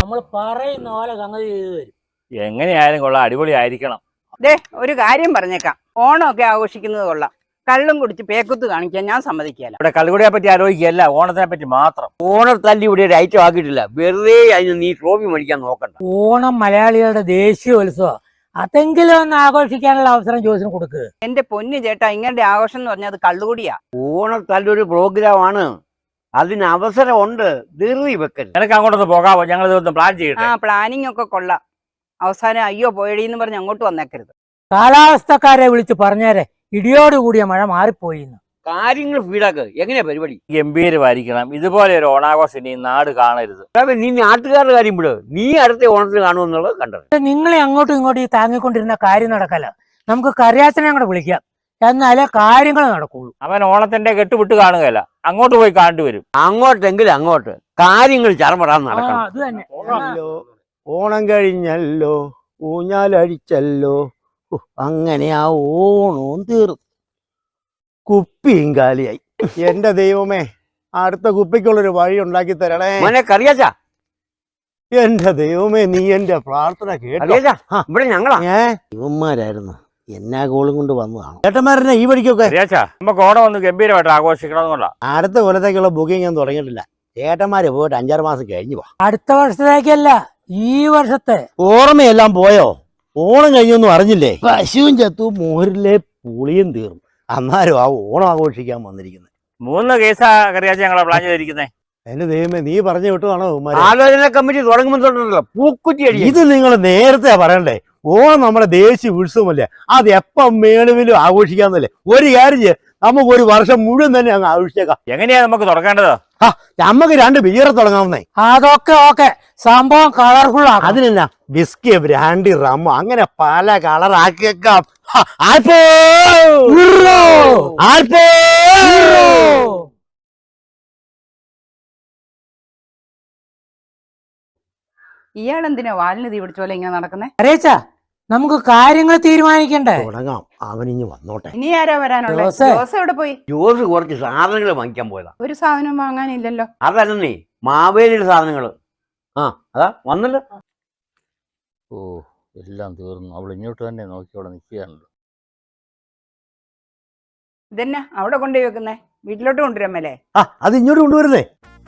നമ്മൾ പറയുന്ന പോലെ സംഗതി ചെയ്തു തരും. എങ്ങനെയായാലും കൊള്ളാം, അടിപൊളിയായിരിക്കണം. ഒരു കാര്യം പറഞ്ഞേക്കാം, ഓണമൊക്കെ ആഘോഷിക്കുന്നത് കൊള്ളാം. കള്ളും കുടിച്ച് പേക്കുത്ത് കാണിക്കാൻ ഞാൻ സമ്മതിക്കില്ല. ഇവിടെ കള്ളുകുടിയെ പറ്റി ആലോചിക്കുകയല്ല, ഓണത്തിനെ പറ്റി മാത്രം. ഓണത്തല്ലി ഇവിടെ ഒരു ഐറ്റം ആക്കിയിട്ടില്ല. വെറുതെ അതിന് നീ ട്രോഫി മേടിക്കാൻ നോക്കണ്ട. ഓണം മലയാളികളുടെ ദേശീയോത്സവം, അതെങ്കിലും ഒന്ന് ആഘോഷിക്കാനുള്ള അവസരം ജോസിന് കൊടുക്കുക. എന്റെ പൊന്നു ചേട്ടാ, ഇങ്ങനെ ആഘോഷം എന്ന് പറഞ്ഞാൽ അത് കള്ളുകൂടിയാ. ഓണത്തല്ലൊരു പ്രോഗ്രാമാണ്, അതിന് അവസരമുണ്ട്. ധൃതി വെക്കൽ. നിനക്ക് അങ്ങോട്ടൊന്ന് പോകാമോ? ഞങ്ങൾ ഇതൊന്ന് പ്ലാൻ ചെയ്യട്ടെ. പ്ലാനിങ് ഒക്കെ കൊള്ളാം. അവസാനം അയ്യോ പോയടിന്ന് പറഞ്ഞ് അങ്ങോട്ട് വന്നേക്കരുത്. കാലാവസ്ഥക്കാരെ വിളിച്ച് പറഞ്ഞേരെ ഇടിയോടുകൂടിയ മഴ മാറിപ്പോയി. കാര്യങ്ങൾ ഫീഡാക്ക്. എങ്ങനെയാ പരിപാടി? ഗംഭീരമായിരിക്കണം. ഇതുപോലെ ഒരു ഓണാഘോഷം ഇനി നാട് കാണരുത്. നീ നാട്ടുകാരുടെ കാര്യം വിട്. നീ അടുത്ത ഓണത്തിന് കാണുമെന്നുള്ളത് കണ്ടത്. നിങ്ങളെ അങ്ങോട്ടും ഇങ്ങോട്ടും ഈ താങ്ങിക്കൊണ്ടിരുന്ന കാര്യം നടക്കല. നമുക്ക് കറിയാച്ചനെ കൂടെ വിളിക്കാം, എന്നാലേ കാര്യങ്ങൾ നടക്കുള്ളൂ. അവൻ ഓണത്തിന്റെ കെട്ടുവിട്ട് കാണുകയല്ല, അങ്ങോട്ട് പോയി കാണേണ്ടി വരും. അങ്ങോട്ടെങ്കിലും അങ്ങോട്ട് കാര്യങ്ങൾ ചറപറാൻ നടക്കണം. അത് തന്നെ. ഓണം കഴിഞ്ഞല്ലോ, ഊഞ്ഞാലടിച്ചല്ലോ, അങ്ങനെ ആ ഓണവും തീർന്നു. കുപ്പിയും കാലിയായി. എന്റെ ദൈവമേ, അടുത്ത കുപ്പിക്കുള്ളൊരു വഴി ഉണ്ടാക്കി തരണേ. മോനെ കറിയാച്ചാ, എന്റെ ദൈവമേ, നീ എന്റെ പ്രാർത്ഥന കേട്ടോ. ഇവിടെ ഞങ്ങളാ ഇവന്മാരായിരുന്നു എന്നാ കോളും കൊണ്ട് വന്നതാണ്. ചേട്ടന്മാരനെ ഈ വഴിക്കൊക്കെ നമുക്ക് ഓണം ഒന്ന് ഗംഭീരമായിട്ട് ആഘോഷിക്കണമെന്നുള്ള അടുത്ത കൊല്ലത്തേക്കുള്ള ബുക്കിംഗ് ഞാൻ തുടങ്ങിയിട്ടില്ല. ചേട്ടന്മാര് പോയിട്ട് 5-6 മാസം കഴിഞ്ഞു പോ. അടുത്ത വർഷത്തേക്കല്ല, ഈ വർഷത്തെ. ഓർമ്മയെല്ലാം പോയോ? ഓണം കഴിഞ്ഞൊന്നും അറിഞ്ഞില്ലേ? പശുവും ചത്തു, മോരിലെ പുളിയും തീർന്നു. അന്നാരും ആ ഓണം ആഘോഷിക്കാൻ വന്നിരിക്കുന്നത്. 3 കേസാ കറിയാച്ച ഞങ്ങളെ പ്ലാൻ ചെയ്തിരിക്കുന്നേ. എന്റെ ദൈവമേ, നീ പറഞ്ഞു വിട്ടതാണോ? ആലോചന കമ്മിറ്റി തുടങ്ങുമ്പോഴല്ലോ പൂക്കുറ്റി അടി. ഇത് നിങ്ങൾ നേരത്തെ പറയണ്ടേ? ഓണം നമ്മുടെ ദേശീയ ഉത്സവമല്ലേ, അത് എപ്പം വേണമെങ്കിലും ആഘോഷിക്കാന്നല്ലേ. ഒരു കാര്യം ചെയ്യാം, നമുക്ക് ഒരു വർഷം മുഴുവൻ തന്നെ അങ്ങ് ആഘോഷിച്ചേക്കാം. എങ്ങനെയാ നമുക്ക് തുടങ്ങേണ്ടത്? നമുക്ക് 2 ബിയർ തുടങ്ങാവുന്നേ. അതൊക്കെ ഓക്കെ, സംഭവം കളർഫുൾ ആക്കാം. അതിനെന്നാ വിസ്കി, ബ്രാൻഡി, റമ്മ, അങ്ങനെ പല കളർ ആക്കിയേക്കാം. ഇയാളെന്തിനാ വാലിന് തീ പിടിച്ച പോലെ ഇങ്ങനെ നടക്കുന്നേ? അറിയിച്ചാ നമുക്ക് കാര്യങ്ങൾ തീരുമാനിക്കണ്ടേ? തുടങ്ങാം, അവനിഞ്ഞ് വന്നോട്ടെ. ഇനി ആരാ വരാനുള്ളത്? ജോസ് എവിടെ പോയി? ജോസ് കുറച്ച് സാധനങ്ങൾ വാങ്ങിക്കാൻ പോയതാ. ഒരു സാധനം വാങ്ങാനില്ലല്ലോ. അതല്ലേ മാവേലിയുടെ സാധനങ്ങള്. അതാ വന്നല്ലോ. ഓ, എല്ലാം തീർന്നു. അവൾ ഇങ്ങോട്ട് തന്നെ നോക്കി അവിടെ നിൽക്കുകയാണല്ലോ. ഇതെന്നാ അവിടെ കൊണ്ടുപോയി വെക്കുന്നേ? വീട്ടിലോട്ട് കൊണ്ടുവരാമല്ലേ? അത് ഇങ്ങോട്ട് കൊണ്ടുവരുന്നേ.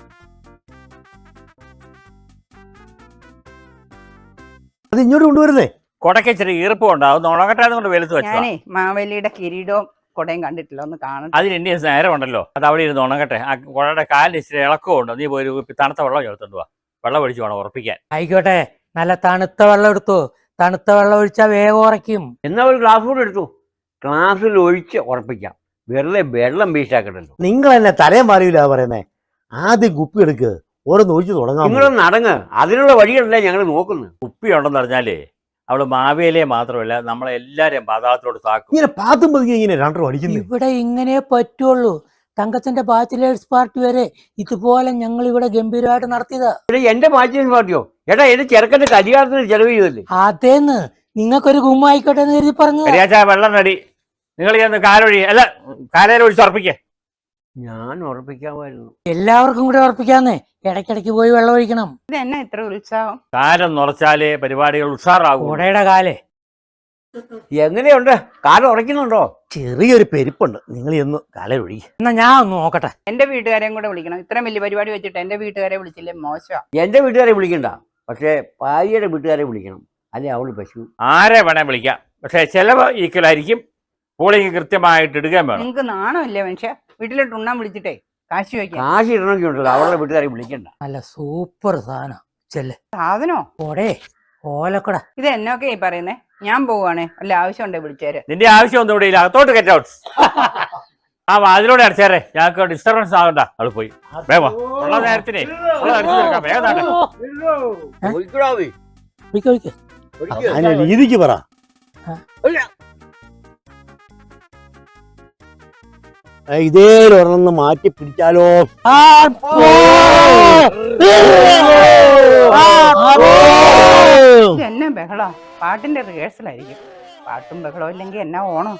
അത് ഇങ്ങോട്ട് കൊണ്ടുവരുന്നേ. കൊടക്ക് ഇച്ചിരി ഈർപ്പമുണ്ട്, അത് ഉണങ്ങട്ടെ കൊണ്ട് വെളുത്ത് വെച്ചാ. ഞാനേ മാവേലിയുടെ കിരീടവും കൊടയും കണ്ടിട്ടില്ല, ഒന്ന് കാണണം. അതിന് എന്റെ നേരമുണ്ടല്ലോ, അത് അവിടെ ഇരുന്ന് ഉണങ്ങട്ടെ. ആ കുടയുടെ കാലിന് ഇച്ചിരി ഇളക്കമുണ്ട്. നീ പോയി ഒരു തണുത്ത വെള്ളം ചേർത്തോണ്ട് വാ. വെള്ളം ഒഴിച്ച് വേണം ഉറപ്പിക്കാൻ. ആയിക്കോട്ടെ, നല്ല തണുത്ത വെള്ളം എടുത്തു. തണുത്ത വെള്ളം ഒഴിച്ചാൽ വേഗം ഉറയ്ക്കും. എന്നാ ഒരു ഗ്ലാസ് കൂടെ എടുത്തു. ഗ്ലാസ്സിൽ ഒഴിച്ച് ഉറപ്പിക്കാം. വെറുതെ വെള്ളം വേസ്റ്റാക്കണ്ടല്ലോ. നിങ്ങൾ എന്നെ തലയും മാറിയില്ല പറയുന്നേ. ആദ്യം കുപ്പി എടുക്ക്, ഓരോന്ന് ഒഴിച്ച് തുടങ്ങാം. നിങ്ങളൊന്ന് അടങ്ങ്. അതിനുള്ള വഴികളല്ലേ ഞങ്ങൾ നോക്കുന്നത്. കുപ്പി ഉണ്ടെന്ന് പറഞ്ഞാലേ അവള് മാവേലിയെ മാത്രമല്ല നമ്മളെ എല്ലാരെയും പാതാളത്തോട് താക്കും. ഇങ്ങനെ പാത്തും പതുങ്ങി ഇങ്ങനെ 2 അടിക്കുന്നു. ഇവിടെ ഇങ്ങനെ പറ്റുള്ളൂ. തങ്കച്ചന്റെ ബാച്ചിലേഴ്സ് പാർട്ടി വരെ ഇതുപോലെ ഞങ്ങൾ ഇവിടെ ഗംഭീരമായിട്ട് നടത്തിയതാ. എന്റെ ബാച്ചിലേഴ്സ് പാർട്ടിയോ? എടാ, എന്റെ ചെറുക്കന്റെ കല്യാണത്തിന് ചെലവ് ചെയ്തല്ലേ? അതേന്ന് നിങ്ങൾക്കൊരു ഗുമ്മായിക്കോട്ടെ എന്ന് കരുതി പറഞ്ഞു. വെള്ളം നടി. നിങ്ങൾ ചെന്ന് കാലൊഴി, അല്ല കാലേരെ ഒഴിച്ച് ഉറപ്പിക്കേ. ഞാൻ ഉറപ്പിക്കാമായിരുന്നു. എല്ലാവർക്കും കൂടെ ഉറപ്പിക്കാന്നേ. ഇടയ്ക്കിടയ്ക്ക് പോയി വെള്ളം ഒഴിക്കണം. ഇത് എന്നാ ഇത്ര ഉത്സാഹം? കാലം നിറച്ചാലേ പരിപാടികൾ ഉഷാറാകും. കൂടെയുടെ കാലേ എങ്ങനെയുണ്ട്? കാലം ഉറയ്ക്കുന്നുണ്ടോ? ചെറിയൊരു പെരുപ്പുണ്ട്. നിങ്ങൾ എന്ന് കാലൊഴി. എന്നാ ഞാൻ ഒന്ന് നോക്കട്ടെ. എന്റെ വീട്ടുകാരെയും കൂടെ വിളിക്കണം. ഇത്രയും വലിയ പരിപാടി വെച്ചിട്ട് എന്റെ വീട്ടുകാരെ വിളിച്ചില്ലേ മോശം. എന്റെ വീട്ടുകാരെ വിളിക്കണ്ട, പക്ഷെ ഭാര്യയുടെ വീട്ടുകാരെ വിളിക്കണം. അല്ലെ അവള് പശു. ആരെ വേണേ വിളിക്കാം, പക്ഷെ ചെലവ് ഈക്വലായിരിക്കും. പോളിംഗ് കൃത്യമായിട്ട് ഇടുകയും വേണം. നിങ്ങക്ക് നാണമില്ലേ മനുഷ്യ? വീട്ടിലോട്ട് ഉണ്ണാൻ വിളിച്ചിട്ടേ കാശ് വയ്ക്കാം. കാശ് ഇടണമെങ്കിൽ ഉണ്ടല്ലോ, അവളുടെ വീട്ടുകാരെ വിളിക്കണ്ട. നല്ല സൂപ്പർ സാധനം. ചെല്ല് സാധനോ? ഓടേ ഓലക്കട. ഇത് എന്നൊക്കെ ഈ പറയുന്നേ? ഞാൻ പോവാണേ, വല്ല ആവശ്യം ഉണ്ടേ വിളിച്ചേര്. നിന്റെ ആവശ്യം ഒന്നും ഇവിടെ ഇല്ല. അകത്തോട്ട് ഗെറ്റ് ഔട്ട്. അതിലൂടെ അടച്ചേരെ, ഞങ്ങൾക്ക് ഡിസ്റ്റർബൻസ് ആകണ്ട. അവള് പോയി വേഗം ഉള്ള നേരത്തിനെ വേഗം രീതിക്ക് പറ. ഇതേലൊരെണ്ണം മാറ്റി പിടിച്ചാലോ? എന്നാ ബഹളോ? പാട്ടിന്റെ റിഹേഴ്സലായിരിക്കും. പാട്ടും ബഹളവും ഇല്ലെങ്കിൽ എന്നാ ഓണം.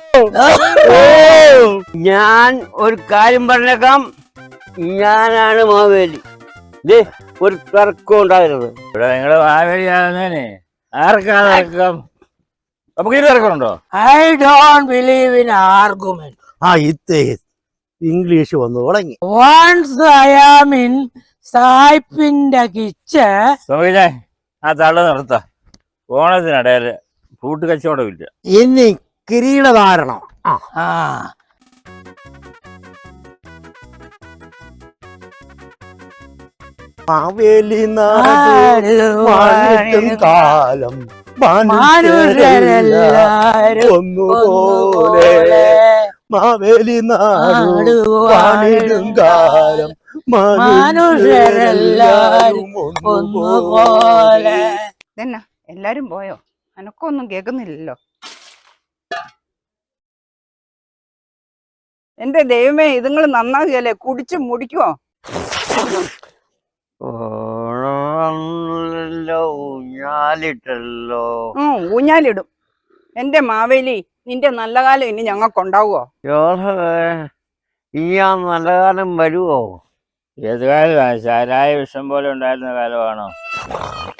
ഞാൻ ഒരു കാര്യം പറഞ്ഞേക്കാം, ഞാനാണ് മാവേലി. ഒരു തർക്കവും ഉണ്ടാകരുത്. ഇവിടെ നിങ്ങള് മാവേലിയാകുന്നേനെ ആർക്കാ തർക്കം? നമുക്ക് ഇത് തർക്കമുണ്ടോ? I don't believe in argument. ആ ഇത് ഇംഗ്ലീഷ് വന്നു തുടങ്ങി. വൺസ് ഐ ആം ഇൻ സായിപ്പിന്റെ കിച്ചൺ. സ്വാമിജെ ആ തള്ളു നിർത്ത. ഓണത്തിനിടയില് ഫ്രൂട്ട് കച്ചവടമില്ല. ഇനി കിരീടധാരണം. ആ മാവേലി നാടും കാലം മനുഷ്യരെല്ലാരും ഒന്നുപോലെ. മാവേലി നാടും കാലം മനുഷ്യരെല്ലാരും ഒന്നുപോലെ. ഇതെന്നാ എല്ലാരും പോയോ? എനക്കൊന്നും കേൾക്കുന്നില്ലല്ലോ. എന്റെ ദൈവമേ, ഇതുങ്ങൾ നന്നാകുകയല്ലേ? കുടിച്ച് മുടിക്കുവോ? ഊഞ്ഞാലിട്ടല്ലോ. ഊഞ്ഞാലിടും. എന്റെ മാവേലി, നിന്റെ നല്ല കാലം ഇനി ഞങ്ങൾക്കുണ്ടാവുമോ? ഇനി ആ നല്ല കാലം വരുവോ? ഏത് കാലമാണ്? ചാരായ വിഷം പോലെ ഉണ്ടായിരുന്ന കാലമാണോ?